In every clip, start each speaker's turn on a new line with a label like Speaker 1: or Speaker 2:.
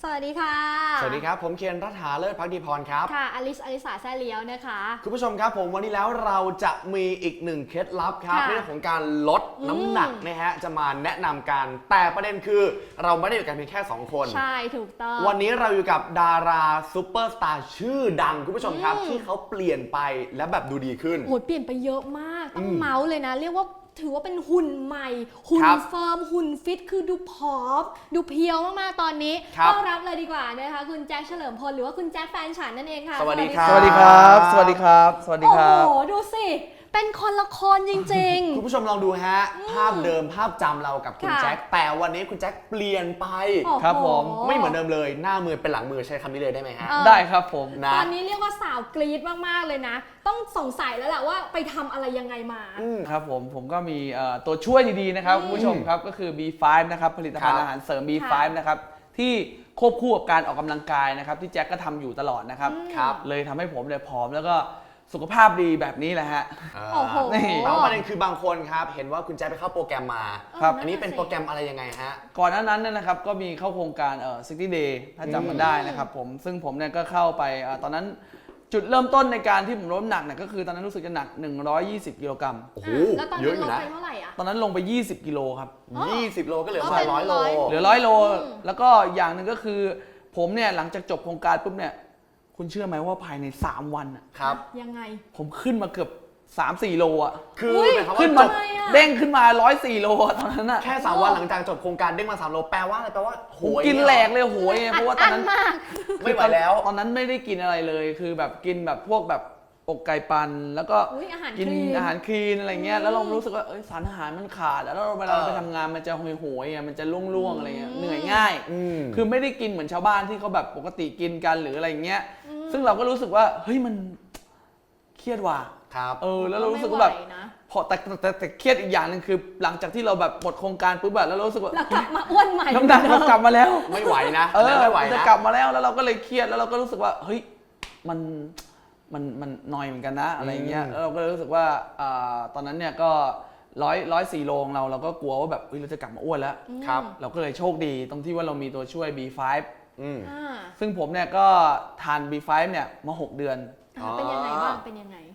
Speaker 1: สวัสดีค่ะ
Speaker 2: สวัสดีครับผมเคนรัฐาเลิศภักดีพรครับ
Speaker 1: ค่ะอลิสาแซ่เลี้ยวนะคะ
Speaker 2: คุณผู้ชมครับผมวันนี้แล้วเราจะมีอีกหนึ่งเคล็ดลับครับเรื่องของการลดน้ำหนักนะฮะจะมาแนะนำกันแต่ประเด็นคือเราไม่ได้อยู่กันเพียงแค่2คน
Speaker 1: ใช่ถูกต้อง
Speaker 2: วันนี้เราอยู่กับดาราซูเปอร์สตาร์ชื่อดังคุณผู้ชมครับที่เขาเปลี่ยนไปและแบบดูดีขึ้น
Speaker 1: โหเปลี่ยนไปเยอะมากต้องเมาส์เลยนะเรียกว่าถือว่าเป็นหุ่นใหม่หุ่นเฟิร์มหุ่นฟิตคือดูผอมดูเพียวมากๆตอนนี้ต้อนรับเลยดีกว่านะคะคุณแจ็คเฉลิมพลหรือว่าคุณแจ็คแฟนฉันนั่นเองค่ะ
Speaker 2: สวัสดีครับ
Speaker 3: สวัสดีครับสวัสดีครับสวัสดีครับ
Speaker 1: โอ้โหดูสิเป็นคนละคนจริง
Speaker 2: ๆ คุณผู้ชมลองดูฮะภาพเดิมภาพจำเรากับคุณแจ็คแต่วันนี้คุณแจ็คเปลี่ยนไป
Speaker 3: ครับผม
Speaker 2: ไม่เหมือนเดิมเลยหน้ามือเป็นหลังมือใช้คำนี้เลยได้ไหมฮะ
Speaker 3: ได้ครับผม
Speaker 2: นะ
Speaker 1: ตอนนี้เรียกว่าสาวกรี๊ดมากๆเลยนะต้องสงสัยแล้วแหละว่าไปทำอะไรยังไงมา
Speaker 3: ครับผมก็มีตัวช่วยดีๆนะครับคุณผู้ชมครับก็คือ B5 นะครับผลิตภัณฑ์อาหารเสริม B5 นะครับที่ควบคู่กับการออกกำลังกายนะครับที่แจ็คก็ทำอยู่ตลอดนะครับเลยทำให้ผมเนี่ยผอมแล้วก็สุขภาพดีแบบนี้แหละฮะ
Speaker 1: โอ้โห
Speaker 2: แล้วประเด็นคือบางคนครับเห็นว่าคุณแจ็คไปเข้าโปรแกรมมา
Speaker 3: ครับ
Speaker 2: อันนี้เป็นโปรแกรมอะไรยังไงฮะ
Speaker 3: ก่อนหน้านั้นนะครับก็มีเข้าโครงการ60 day ถ้าจำมันได้นะครับผมซึ่งผมเนี่ยก็เข้าไปตอนนั้นจุดเริ่มต้นในการที่ผมลดน้ำหนักเนี่ยก็คือตอนนั้นรู้สึกจะหนัก120กิโลกรัม
Speaker 2: โอ้โห
Speaker 1: แล้วตอนนั้นลงไปเท่าไหร่อ่ะ
Speaker 3: ตอนนั้นลงไป20กิโลครับ
Speaker 2: 20โลก็เหลือประมาณ100โล
Speaker 3: เหลือ100โลแล้วก็อย่างหนึ่งก็คือผมเนี่ยหลังจากจบโครงการปุ๊บเนี่ยคุณเชื่อไหมว่าภายใน3วัน
Speaker 2: ครับ
Speaker 1: ยังไง
Speaker 3: ผมขึ้นมาเกือบ3-4 โลอ่ะ
Speaker 2: คือ
Speaker 3: ขึ้นมาเด้งขึ้นมา104โลตอนนั้นอ่ะ
Speaker 2: แค่3วันหลังจากจบโครงการเด้งมา3โลแปลว่าอะไรแปลว่าโหย
Speaker 3: กินแหลกเลยโหยเพราะว่าตอนนั้น
Speaker 2: ไม่ไหวแล้ว
Speaker 3: ตอนนั้นไม่ได้กินอะไรเลยคือแบบกินแบบพวกแบบอกไก่ปั่นแล้วก็กินอาหารคลีนอะไรเงี้ยแล้วเรารู้สึกว่าสารอาหารมันขาดแล้วเวลาเราไปทำงานมันจะโหยมันจะล่วงอะไรเงี้ยเหนื่อยง่ายคือไม่ได้กินเหมือนชาวบ้านที่เขาแบบปกติกินกันหรืออะไรเงี้ยซึ่งเราก็รู้สึกว่าเฮ้ยมันเครียดว่ะ
Speaker 2: ครับ
Speaker 3: แล้วเรารู้สึกว่าแบบพอแต่เครียดอีกอย่างหนึ่งคือหลังจากที่เราแบบหมดโครงการปุ๊บแบบแล้วเรารู้สึกว่า
Speaker 1: เรากลับมาอ้วนใหม่
Speaker 3: น้ำหนักเรากลับมาแล้ว
Speaker 2: ไม่ไหวนะ
Speaker 3: ไม่ไหวนะจะกลับมาแล้วเราก็เลยเครียดแล้วเราก็รู้สึกว่าเฮ้ยมันนอยเหมือนกันนะอะไรเงี้ยแล้วเราก็รู้สึกว่าตอนนั้นเนี่ยก็104โลของเราก็กลัวว่าแบบเราจะกลับมาอ้วนแล้ว
Speaker 2: ครับ
Speaker 3: เราก็เลยโชคดีตรงที่ว่าเรามีตัวช่วย B5 ซึ่งผมเนี่ยก็ทาน B5 เนี่ยมา6 เดือน
Speaker 1: เป็นยังไงบ้างเป็นยังไง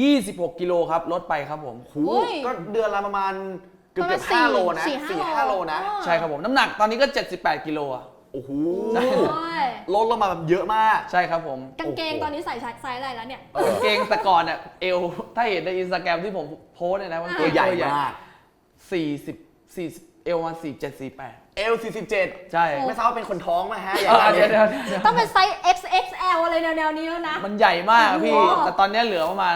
Speaker 3: 26กิโลครับลดไปครับผม
Speaker 2: ก็เดือนละประมาณเกือบ5โลนะ4-5โลนะ
Speaker 3: ใช่ครับผมน้ำหนักตอนนี้ก็78กิโลอ่ะ
Speaker 2: โอ้โหลดลงมาแบบเยอะมาก
Speaker 3: ใช่ครับผม
Speaker 1: กางเกงตอนนี้ใส่ไซส์อะไรแล้วเนี่ย
Speaker 3: กางเกงแต่ก่อนเนี่ยเอวถ้าเห็นในอินสตาแกรมที่ผมโพสเนี่ยนะมัน
Speaker 2: ตัวใหญ่มาก
Speaker 3: 40เอวมา47-48
Speaker 2: เอล47
Speaker 3: ใช่
Speaker 2: ไม่ทราบว่าเป็นคนท้องไหมฮะ
Speaker 3: เดี๋ยว
Speaker 1: ต้องเป็นไซส์ XXL อะไรแนวๆนี้แล้วนะ
Speaker 3: มันใหญ่มากพี่แต่ตอนนี้เหลือประมาณ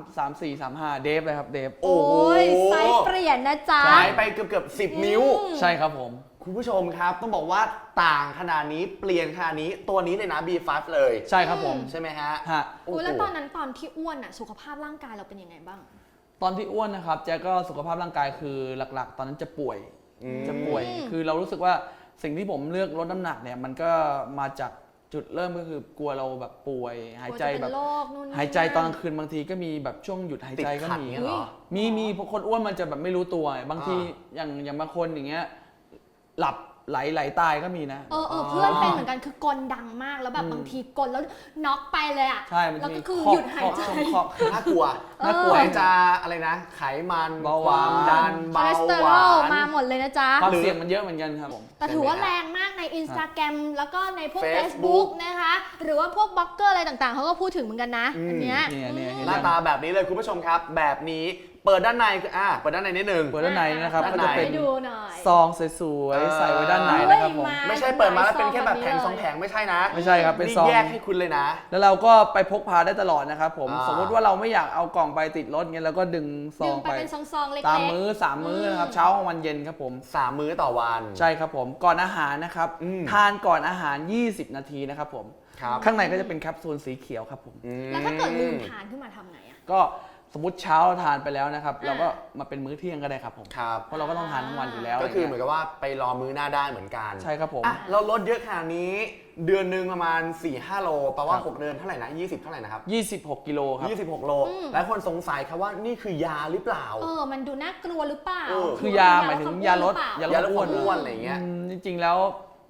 Speaker 3: 34-35เดฟเลยครับเดฟ
Speaker 1: โอ้ยไซส์เปลี่ยนนะจ๊ะ
Speaker 2: หายไปเกือบ10นิ้ว
Speaker 3: ใช่ครับผม
Speaker 2: คุณผู้ชมครับต้องบอกว่าต่างขนาดนี้เปลี่ยนขนาดนี้ตัวนี้เลยนะ B5 เลย
Speaker 3: ใช่ครับผม
Speaker 2: ใช่ไหมฮะ
Speaker 1: แล้วตอนนั้นตอนที่อ้วนสุขภาพร่างกายเราเป็นยังไงบ้าง
Speaker 3: ตอนที่อ้วนนะครับแจ๊ก็สุขภาพร่างกายคือหลักๆตอนนั้นจะป่วยคือเรารู้สึกว่าสิ่งที่ผมเลือกลดน้ำหนักเนี่ยมันก็มาจากจุดเริ่มก็คือกลัวเราแบบป่วยหายใจแบบหายใจตอนกลางคืนบางทีก็มีแบบช่วงหยุดหายใจก็มีพวกคนอ้วนมันจะแบบไม่รู้ตัวบางทีอย่างบางคนอย่างเงี้ยหลับไหลตายก็มีนะ
Speaker 1: เพื่อนเป็นเหมือนกันคือกลดังมากแล้วแบบบางทีกลแล้วน็อกไปเลยอ่ะ
Speaker 3: ใช่
Speaker 1: แล้วก็คือหยุดหายใจ
Speaker 2: น่ากลัวจะอะไรนะไขมัน
Speaker 3: เบาหวาน
Speaker 2: ดันเบาหวาน
Speaker 1: มาหมดเลยนะจ๊ะ
Speaker 3: ความเสี่ยงมันเยอะเหมือนกันครับผม
Speaker 1: แต่ถือว่าแรงมากใน Instagram แล้วก็ในพวก Facebook นะคะหรือว่าพวกบล็อกเกอร์อะไรต่างๆเขาก็พูดถึงเหมือนกันนะอันเนี้ย
Speaker 2: หน้าตาแบบนี้เลยคุณผู้ชมครับแบบนี้เปิดด้านในเปิดด้านในนิดนึง
Speaker 3: เปิดด้านในนะครับก็จะเป็นซองสวยๆใส่ไว้ด้านในนะครับผม
Speaker 2: ไม่ใช่เปิดมาแล้วเป็นแค่แบบแผง2แผงไม่ใช่นะ
Speaker 3: ไม่ใช่ครับเป็นซอง
Speaker 2: แยกให้คุณเลยนะ
Speaker 3: แล้วเราก็ไปพกพาได้ตลอดนะครับผมสมมติว่าเราไม่อยากเอากล่องไปติดรถเงี้ยเราก็ดึงซองไป
Speaker 1: เป็นซองๆเล็กๆ
Speaker 3: ตามมื้อ3มื้อนะครับเช้ากลางวันเย็นครับผม
Speaker 2: 3มื้อต่อวัน
Speaker 3: ใช่ครับผมก่อนอาหารนะครับทานก่อนอาหาร20นาทีนะครับผมข้างในก็จะเป็นแคปซูลสีเขียวครับผม
Speaker 1: แล้วถ้าเกิดลืมทานขึ้นมาทำไง
Speaker 3: ก็สมมติเช้าเราทานไปแล้วนะครับเราก็มาเป็นมื้อเที่ยงก็ได้ครับผมเพราะเราก็ต้องทานทั้งวันอยู่แล้ว
Speaker 2: ก็คือเหมือนกับว่าไปรอมื้อหน้าได้เหมือนกัน
Speaker 3: ใช่ครับผม
Speaker 2: เราลดเยอะขนาดนี้เดือนนึงประมาณ 4-5 โลแปลว่า6เดือนเท่าไหร่นะ20เท่าไหร่นะครับ
Speaker 3: 26กิโลครับ
Speaker 2: 26โลหลายคนสงสัยครับว่านี่คือยาหรือเปล่า
Speaker 1: มันดูน่ากลัวหรือเปล่า
Speaker 3: คือยาหมายถึงยาลด
Speaker 2: อ้วนอะไรอย่างเงี้ย
Speaker 3: จริงๆแล้ว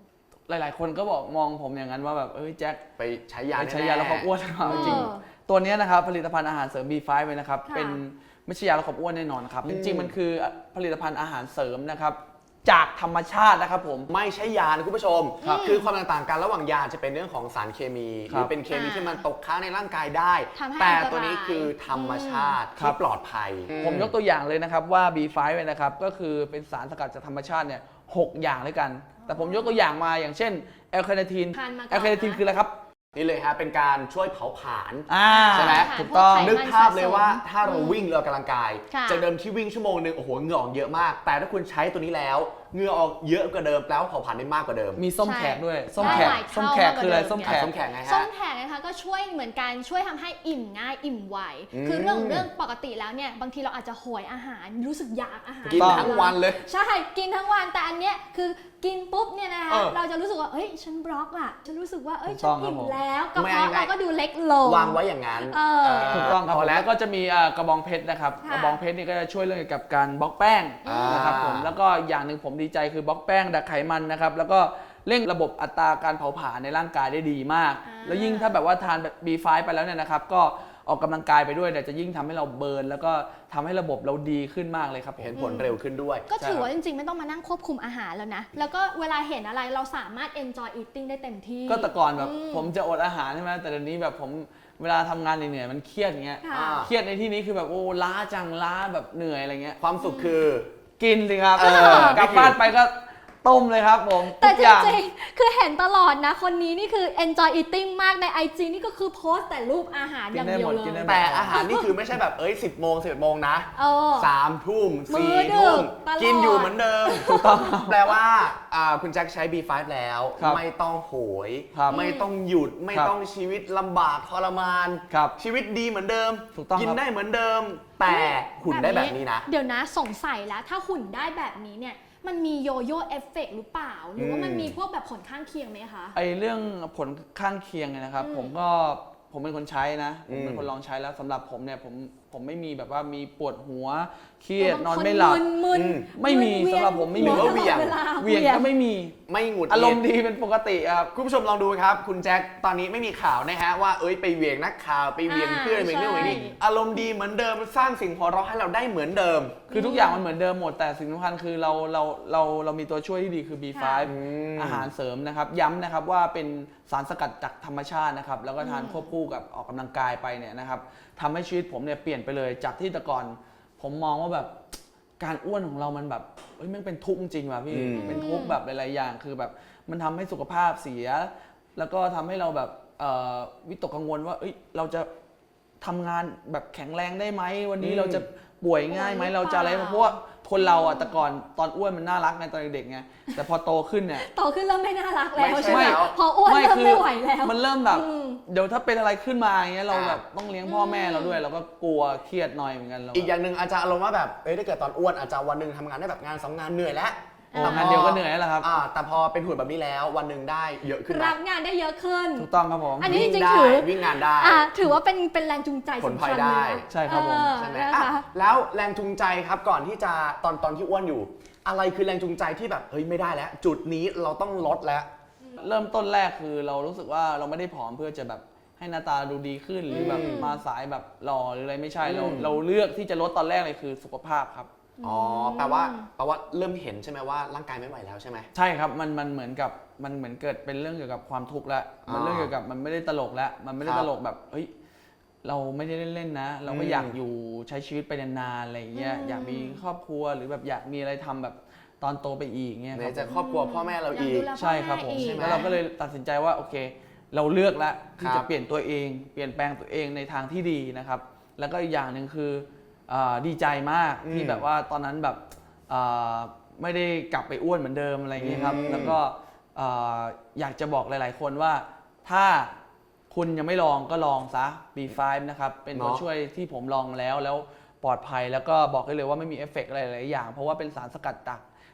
Speaker 3: หลายๆ คนก็บอกมองผมอย่างนั้นว่าแบบแจ็ค
Speaker 2: ไปใช้ยา
Speaker 3: ไปใช้ยาลดความอ้วนหรือเปล่า
Speaker 1: เออ
Speaker 3: จริงๆตัวเนี้ยนะครับผลิตภัณฑ์อาหารเสริม B5 เลยนะครับ
Speaker 1: ค่ะ
Speaker 3: เป็นไม่ใช่ยาลดความอ้วนแน่นอนครับจริงๆมันคือผลิตภัณฑ์อาหารเสริมนะครับจากธรรมชาตินะครับผม
Speaker 2: ไม่ใช่ยานะคุณผู้ชม คือความต่างกันระหว่างยาจะเป็นเรื่องของสารเคมีหรือเป็นเคมีที่มันตกค้างในร่างกายได้
Speaker 1: ทำให้
Speaker 2: แต่
Speaker 1: อันตราย
Speaker 2: ตัวนี้คือธรรมชาติ
Speaker 3: ครั
Speaker 2: ที่
Speaker 3: บ
Speaker 2: ปลอดภัย
Speaker 3: ผมยกตัวอย่างเลยนะครับว่า B5 เนี่ยนะครับก็คือเป็นสารสกัดจากธรรมชาติเนี่ย6อย่างด้วยกัน แต่ผมยกตัวอย่างมาอย่างเช่นแอลคาเนทีน
Speaker 1: ทานมาก่อนนะ
Speaker 3: แอลคาเนทีนคืออะไรครับ
Speaker 2: นี่เลยฮะเป็นการช่วยเผาผลาญ ใช่ไหม
Speaker 3: ถูกต้อง
Speaker 1: พวไขมั
Speaker 2: นึกภาพเลยว่า
Speaker 1: สะสม
Speaker 2: ถ้าเราวิ่งเรากำลังกาย
Speaker 1: ค่ะ
Speaker 2: จากเดิมที่วิ่งชั่วโมงนึงโอ้โหเหงื่อออกเยอะมาก แต่ถ้าคุณใช้ตัวนี้แล้วเหงื่อออกเยอะกว่าเดิมแล้วเผาผลาญได้มากกว่าเดิม
Speaker 3: มีส้ม
Speaker 1: ใช่
Speaker 3: แขกด้วยส้ม
Speaker 1: ได้
Speaker 3: แขก
Speaker 1: หลายเท่า
Speaker 3: ส้มแขกคืออะไร
Speaker 1: มากกว่าเดิม
Speaker 3: ส้มแขก
Speaker 2: ส้มแขกไง
Speaker 1: ส้
Speaker 2: ฮะ
Speaker 1: มแขกนะคะก็ช่วยเหมือนกันช่วยทำให้อิ่มง่ายอิ่มไว
Speaker 2: อืม
Speaker 1: คือเรื่องปกติแล้วเนี่ยบางทีเราอาจจะโหยอาหารรู้สึกอยากอาหาร
Speaker 2: กินทั้งวันเลย
Speaker 1: ใช่กินทั้งวันแต่อันเนี้ยคือกินปุ๊บเนี่ยนะคะ
Speaker 2: เออ
Speaker 1: เราจะรู้สึกว่าเอ้ยฉันบล็อกอ่ะฉันรู้สึกว่าเอ้ย
Speaker 3: ถูก
Speaker 1: ฉั
Speaker 3: ต้
Speaker 1: น
Speaker 3: องครับ
Speaker 1: อิ่ม
Speaker 3: ผม
Speaker 1: แล้วกระ
Speaker 2: ไม่
Speaker 1: เพาะ
Speaker 2: ง่าย
Speaker 1: เราก็ดูเล็กลง
Speaker 2: วางไว้อย่างนั้น
Speaker 1: เออ
Speaker 3: ถูกต้องครับ
Speaker 2: พอแล้ว
Speaker 3: แล้วก็จะมีกระบองเพชรนะครับ
Speaker 1: ค่ะ
Speaker 3: กระบองเพชรนี่ก็จะช่วยเรื่องเกี่ยวกับการบล็อกแป้ง
Speaker 2: อ่าน
Speaker 3: นะครับผมแล้วก็อย่างหนึ่งผมดีใจคือบล็อกแป้งดักไขมันนะครับแล้วก็เร่งระบบอัตราการเผาผลาญในร่างกายได้ดีมาก แล้วยิ่งถ้าแบบว่าทานแบบ B5 ไปแล้วเนี่ยนะครับก็ออกกำลังกายไปด้วยเนี่ยจะยิ่งทำให้เราเบิร์นแล้วก็ทำให้ระบบเราดีขึ้นมากเลยครับผม
Speaker 2: เห็นผลเร็วขึ้นด้วย
Speaker 1: ก็ถือว่าจริงๆ ไม่ต้องมานั่งควบคุมอาหารแล้วนะ แล้วก็เวลาเห็นอะไรเราสามารถ enjoy eating ได้เต็มที่
Speaker 3: ก็แต่ก่อนแบบผมจะอดอาหารใช่ไหมแต่เดี๋ยวนี้แบบผมเวลาทำงานเหนื่อยๆมันเครียดอย่างเงี้ย
Speaker 1: ค่ะ
Speaker 2: อ่า
Speaker 3: เครียดในที่นี้คือแบบโอ้ล้าจังล้าแบบเหนื่อยอะไรเงี้ย
Speaker 2: ความสุขคือ
Speaker 3: กินสิครับ
Speaker 2: เออก
Speaker 3: ลับบ้านไปก็ต้มเลยครับผม
Speaker 1: แต่
Speaker 3: ทุก
Speaker 1: จ
Speaker 3: อย่าง
Speaker 1: ริงๆ คือเห็นตลอดนะ คนนี้นี่คือ enjoy eating มากใน IG นี่ก็คือโพสต์แต่รูปอาหารอย่างเดียวเล
Speaker 3: กินได้
Speaker 1: ย
Speaker 3: หมด
Speaker 2: แต่อาหารนี่คือไม่ใช่แบบ10 โมง11 โมงนะ
Speaker 1: เออ
Speaker 2: 3 ทุ่ม
Speaker 1: มื้อ
Speaker 2: 4
Speaker 1: ดึก
Speaker 2: ทุ่ม
Speaker 1: ตลอด
Speaker 2: กินอยู่เหมือนเดิมแปลว่าคุณแจ็คใช้ B5 แล้ว
Speaker 3: ครับ
Speaker 2: ไม่ต้องโหย
Speaker 3: ครับ
Speaker 2: ไม่ต้องหยุดไม่
Speaker 3: ครับ
Speaker 2: ต้องชีวิตลำบากทรมาน
Speaker 3: ครับ
Speaker 2: ชีวิตดีเหมือนเดิม
Speaker 3: ถูกต้อง
Speaker 2: กิน
Speaker 3: ครับ
Speaker 2: ได้เหมือนเดิม แต่หุ่นได้แบบนี้นะ
Speaker 1: เดี๋ยวนะสงสัยแล้วถ้าหุ่นได้แบบนี้เนี่ยมันมีโยโย่เอฟเฟกต์หรือเปล่า หรือว่ามันมีพวกแบบผลข้างเคียงไหมคะ
Speaker 3: ไอเรื่องผลข้างเคียงเนี่ยนะครับผมเป็นคนใช้นะผมเป็นคนลองใช้แล้วสำหรับผมเนี่ยผมไม่มีแบบว่ามีปวดหัวเครียดนอนไม่หลับ
Speaker 1: มึน
Speaker 2: อืม
Speaker 3: ไม่มี
Speaker 1: เวียน
Speaker 3: สำหรับผมไม่มี
Speaker 1: หัว
Speaker 2: เหวี่ยง
Speaker 1: ตลอดลา
Speaker 3: เหวียงก็ไม่มี
Speaker 2: ไม่หงุดหงิด
Speaker 3: อารมณ์ดีเป็นปกติครับ
Speaker 2: คุณผู้ชมลองดูครับ คุณแจ็คตอนนี้ไม่มีข่าวนะฮะว่าไปเหวี่ยงนักข่าวไปเหวี่ยงเพื่อนเหวี่ยงนู่นเหวี่ยงนี่
Speaker 1: ใช่
Speaker 2: อารมณ์ดีเหมือนเดิมสร้างสิ่งหัวเราะให้เราได้เหมือนเดิม
Speaker 3: คือทุกอย่างมันเหมือนเดิมหมดแต่สิ่งสำคัญคือเรามีตัวช่วยที่ดีคือ B5
Speaker 2: ม
Speaker 3: อาหารเสริมนะครับย้ำนะครับว่าเป็นสารสกัดจากธรรมชาตินะครับแล้วก็ทานควบคู่กับออกกำลังกายไปเนี่ยนะครับทำให้ชีวิตผมเนี่ยเปลี่ยนไปเลยจากที่แต่ก่อนผมมองว่าแบบการอ้วนของเรามันแบบแม่งเป็นทุกข์จริงว่ะพี่
Speaker 2: อืม
Speaker 3: เป็นทุกข์แบบหลายๆอย่างคือแบบมันทำให้สุขภาพเสีย แล้วก็ทำให้เราแบบวิตกกังวลว่าเราจะทำงานแบบแข็งแรงได้ไหมวันนี้เราจะป่วยง่ายไหมเราจะอะไรเพราะว่าคนเราอ่ะแต่ก่อนตอนอ้วนมันน่ารักไงตอนเด็กๆไงแต่พอโตขึ้นเนี่ย
Speaker 1: โตขึ้นเริ่มไม่น่ารักแล้ว
Speaker 2: ไม่ใช่
Speaker 1: ใช่ไหม
Speaker 2: แล้ว
Speaker 1: พออ้วนเริ่มไม่ไหวแล้ว
Speaker 3: มันเริ่มแบบ
Speaker 1: อืม
Speaker 3: เดี๋ยวถ้าเป็นอะไรขึ้นมาอย่างเงี้ยเราแบบต้องเลี้ยงพ่อแม่เราด้วยเราก็กลัวเครียดหน่อยเหมือนกันเรา
Speaker 2: อีกอย่างหนึ่งอาจจะอารมณ์ว่าแบบถ้าเกิดตอนอ้วนอาจจะวันหนึ่งทำงานได้แบบงาน2 งานเหนื่อยแล้ว
Speaker 3: โอ้งานเดียวก็เหนื่อยแล้วครับ
Speaker 2: แต่พอเป็นหุ่นแบบนี้แล้ววันหนึ่งได้เยอะขึ้น
Speaker 1: รั
Speaker 2: นะ
Speaker 1: บงานได้เยอะขึ้น
Speaker 3: ถูกต้องครับผม
Speaker 1: อันนี้
Speaker 2: วิ่ง
Speaker 1: จริง
Speaker 2: ได้
Speaker 1: ๆถือ
Speaker 2: วิ่งงานได้
Speaker 1: ถือว่าเป็นแรงจูงใจ
Speaker 2: ผล
Speaker 1: สำ
Speaker 2: พลอ
Speaker 1: คั
Speaker 2: ย
Speaker 1: ญ
Speaker 2: ได้
Speaker 1: เลย
Speaker 3: ใช่ครับผม
Speaker 2: ใช่ไหม
Speaker 1: นะคะ
Speaker 2: แล้วแรงจูงใจครับก่อนที่จะตอนที่อ้วนอยู่ อะไรคือแรงจูงใจที่แบบไม่ได้แล้ว จุดนี้เราต้องลดแล้ว
Speaker 3: เริ่มต้นแรกคือเรารู้สึกว่าเราไม่ได้ผอมเพื่อจะแบบให้หน้าตาดูดีขึ้นหรือแบบมาสายแบบหล่อหรืออะไรไม่ใช่เราเลือกที่จะลดตอนแรกเลยคือสุขภาพครับ
Speaker 2: อ๋อแปลว่าเริ่มเห็นใช่ไหมว่าร่างกายไม่ไหวแล้วใช่ไหม
Speaker 3: ใช่ครับมันเหมือนกับมันเหมือนเกิดเป็นเรื่องเกี่ยวกับความทุกข์แล้วมันเรื่องเกี่ยวกับมันไม่ได้ตลกแล้วมันไม่ได้
Speaker 2: ครับ
Speaker 3: ตลกแบบเราไม่ได้เล่นๆนะ เราก็อยากอยู่ใช้ชีวิตไปนานๆอะไรอย่างเงี้ยอยากมีครอบครัวหรือแบบอยากมีอะไรทำแบบตอนโตไปอีกเงี้ย
Speaker 2: ไหน
Speaker 3: ครับ
Speaker 2: จะครอบครัวพ่อแม่เราอีก
Speaker 1: อยากดูแล
Speaker 3: ใช่ครับผม
Speaker 1: พ่อแม่อีก
Speaker 3: แล้วเราก็เลยตัดสินใจว่าโอเค เราเลือกแล้วที่
Speaker 2: ครั
Speaker 3: จะ
Speaker 2: บ
Speaker 3: เปลี่ยนตัวเองเปลี่ยนแปลงตัวเองในทางที่ดีนะครับแล้วก็อีกอย่างหนึ่งคือดีใจมากที่แบบว่าตอนนั้นแบบไม่ได้กลับไปอ้วนเหมือนเดิมอะไรอย่างเงี้ยครับแล้วก็อยากจะบอกหลายๆคนว่าถ้าคุณยังไม่ลองก็ลองซะ B5 นะครับเป็นตัว
Speaker 2: เนาะ
Speaker 3: ช่วยที่ผมลองแล้วปลอดภัยแล้วก็บอกได้เลยว่าไม่มีเอฟเฟกต์อะไรหลายอย่างเพราะว่าเป็นสารสกัดจาก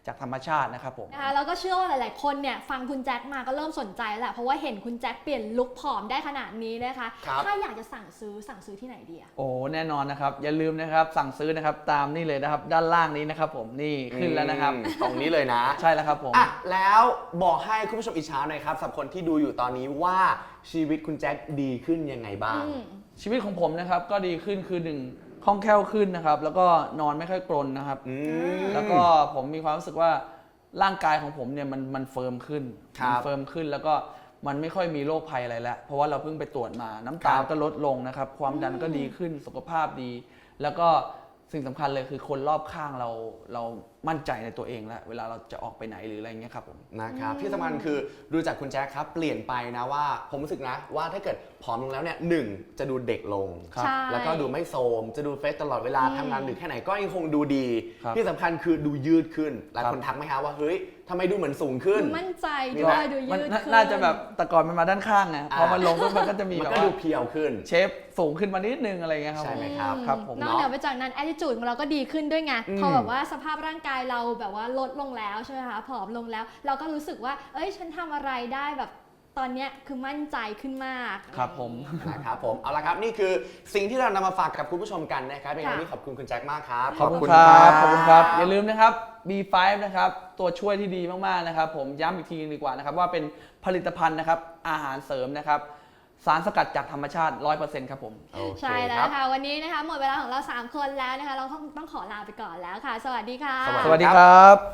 Speaker 3: จากธรรมชาตินะครับผม
Speaker 1: นะคะแล้วก็เชื่อว่าหลาย ๆ คนเนี่ยฟังคุณแจ็คมาก็เริ่มสนใจแล้วแหละเพราะว่าเห็นคุณแจ็คเปลี่ยนลุคผอมได้ขนาดนี้นะคะ
Speaker 2: ครับ
Speaker 1: ถ้าอยากจะสั่งซื้อที่ไหนดีอะ
Speaker 3: โอ้แน่นอนนะครับอย่าลืมนะครับสั่งซื้อนะครับตามนี่เลยนะครับด้านล่างนี้นะครับผมนี่ขึ้นแล้วนะครับ
Speaker 2: ตรงนี้เลยนะ
Speaker 3: ใช่แล้วครับผม
Speaker 2: อ่ะแล้วบอกให้คุณผู้ชมอิจฉาหน่อยครับสำหรับคนที่ดูอยู่ตอนนี้ว่าชีวิตคุณแจ็คดีขึ้นยังไงบ้าง
Speaker 3: ชีวิตของผมนะครับก็ดีขึ้นคือหนึ่งคล่องแคล่วขึ้นนะครับแล้วก็นอนไม่ค่อยกรนนะครับ แล้วก็ผมมีความรู้สึกว่าร่างกายของผมเนี่ยมันเฟิร์มขึ้น
Speaker 2: ครับ
Speaker 3: มันเฟิร์มขึ้นแล้วก็มันไม่ค่อยมีโรคภัยอะไรแล้วเพราะว่าเราเพิ่งไปตรวจมาน้ำตาล
Speaker 2: ครับ
Speaker 3: ก็ลดลงนะครับความดันก็ดีขึ้นสุขภาพดี แล้วก็สิ่งสำคัญเลยคือคนรอบข้างเรามั่นใจในตัวเองแล้วเวลาเราจะออกไปไหนหรืออะไรเงี้ยครับผม
Speaker 2: นะครับที่สำคัญคือดูจากคุณแจ็คครับเปลี่ยนไปนะว่าผมรู้สึกนะว่าถ้าเกิดผอมลงแล้วเนี่ยหนึ่งจะดูเด็กลง
Speaker 3: ครับ
Speaker 1: ใช่
Speaker 2: แล้วก็ดูไม่โทรมจะดูเฟซตลอดเวลาทำงานดึกแค่ไหนก็ยังคงดูดี
Speaker 3: ครับ
Speaker 2: ที่สำคัญคือดูยืดขึ้นหลาย
Speaker 3: ครับ
Speaker 2: คนทักไหมฮะว่าเฮ้ยทำไมดูเหมือนสูงขึ้น
Speaker 1: ดูมั่นใจ
Speaker 2: มี
Speaker 1: ด้
Speaker 2: ไหม
Speaker 1: วยดูยื
Speaker 3: มัน
Speaker 1: ดขึ้น
Speaker 3: น่าจะแบบแต่ก่อนมันมาด้านข้างไงพอมันลงปุ๊บมันก็จะมี
Speaker 2: มัน
Speaker 3: แบบ
Speaker 2: ก็
Speaker 3: ว่า
Speaker 2: ดูเพียวขึ้น
Speaker 3: เชฟสูงขึ้นมานิดนึงอะไรเงี้ยครับ
Speaker 2: ใช่
Speaker 3: ผม
Speaker 2: ไหมครับ
Speaker 3: ครับผม
Speaker 1: นอกเหนือไปจากนั้น attitude ของเราก็ดีขึ้นด้วยไง
Speaker 2: อืม
Speaker 1: พอแบบว่าสภาพร่างกายเราแบบว่าลดลงแล้วใช่ไหมคะผอมลงแล้ว เราก็รู้สึกว่าเอ้ยฉันทำอะไรได้แบบตอนเนี้ยคือมั่นใจขึ้นมาก
Speaker 3: ครับผม
Speaker 2: นะครับผมเอาละครับนี่คือสิ่งที่เรานำมาฝากกับคุณผู้ชมกันนะครับเป็นไง
Speaker 1: ค่ะ
Speaker 2: วันนี้ขอบคุณคุณแจ็คมากครับ
Speaker 3: ขอบคุณครับขอบคุณครับ อย่าลืมนะครับ B5 นะครับตัวช่วยที่ดีมากๆนะครับผมย้ำอีกทีนึงดีกว่านะครับว่าเป็นผลิตภัณฑ์นะครับอาหารเสริมนะครับสารสกัดจากธรรมชาติ 100% ครับผม
Speaker 2: โอเค
Speaker 1: ใช่แล้
Speaker 2: คว รับ
Speaker 1: ค่ะวันนี้นะคะหมดเวลาของเรา 3 คนแล้วนะคะเราต้องขอลาไปก่อนแล้วค่ะ สวัสดีค่ะ
Speaker 2: สวัส
Speaker 3: สวัสดีครับ